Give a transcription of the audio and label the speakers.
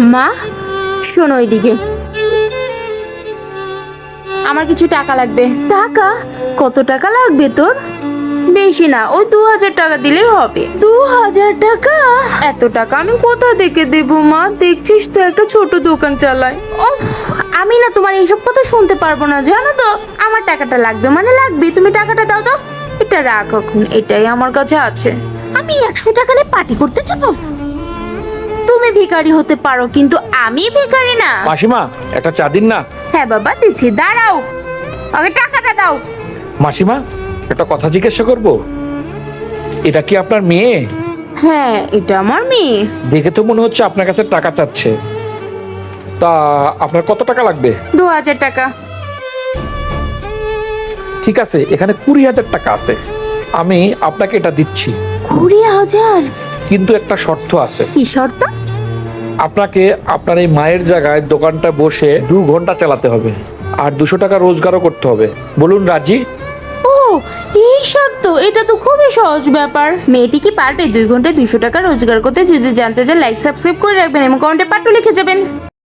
Speaker 1: মা, শোনো এদিকে, আমার কিছু টাকা লাগবে। টাকা? কত টাকা লাগবে তোর? বেশি না, ওই 2000 টাকা দিলেই হবে। 2000 টাকা? এত টাকা আমি কোথা থেকে দেবো মা? দেখছিস তো একটা ছোট দোকান চালাই। উফ, আমি না তোমার এইসব কথা শুনতে পারবো না, জানো তো। আমার টাকাটা লাগবে মানে লাগবে, তুমি টাকাটা দাও তো। এটা রাখ এখন, এটাই আমার কাছে আছে। আমি 100 টাকা নিয়ে পার্টি করতে যাবো? তুমি ভিখারি হতে পারো, কিন্তু আমি ভিখারি না।
Speaker 2: মাসিমা, একটা চা দিন না।
Speaker 1: হ্যাঁ বাবা দিচ্ছি, দাঁড়াও, আগে টাকাটা দাও।
Speaker 2: মাসিমা, একটা কথা জিজ্ঞাসা করব, এটা কি আপনার মেয়ে?
Speaker 1: হ্যাঁ, এটা আমার মেয়ে।
Speaker 2: দেখে তো মনে হচ্ছে আপনার কাছে টাকা চাচ্ছে। তা আপনার কত টাকা লাগবে?
Speaker 1: 2000 টাকা।
Speaker 2: ঠিক আছে, এখানে 20,000 টাকা আছে, আমি আপনাকে এটা দিচ্ছি।
Speaker 1: 20,000?
Speaker 2: কিন্তু একটা শর্ত আছে।
Speaker 1: কি শর্ত?
Speaker 2: আপনাকে আপনার এই মায়ের জায়গায় দোকানটা বসে 2 ঘন্টা চালাতে হবে, আর 200 টাকা রোজগারও করতে হবে। বলুন রাজি?
Speaker 1: ও, এই শর্ত? এটা তো খুবই সহজ ব্যাপার। মেয়েটি কি পারবে 2 ঘন্টায় 200 টাকা রোজগার করতে? যদি জানতে চান লাইক সাবস্ক্রাইব করে রাখবেন এবং কমেন্টে পাট্টু লিখে যাবেন।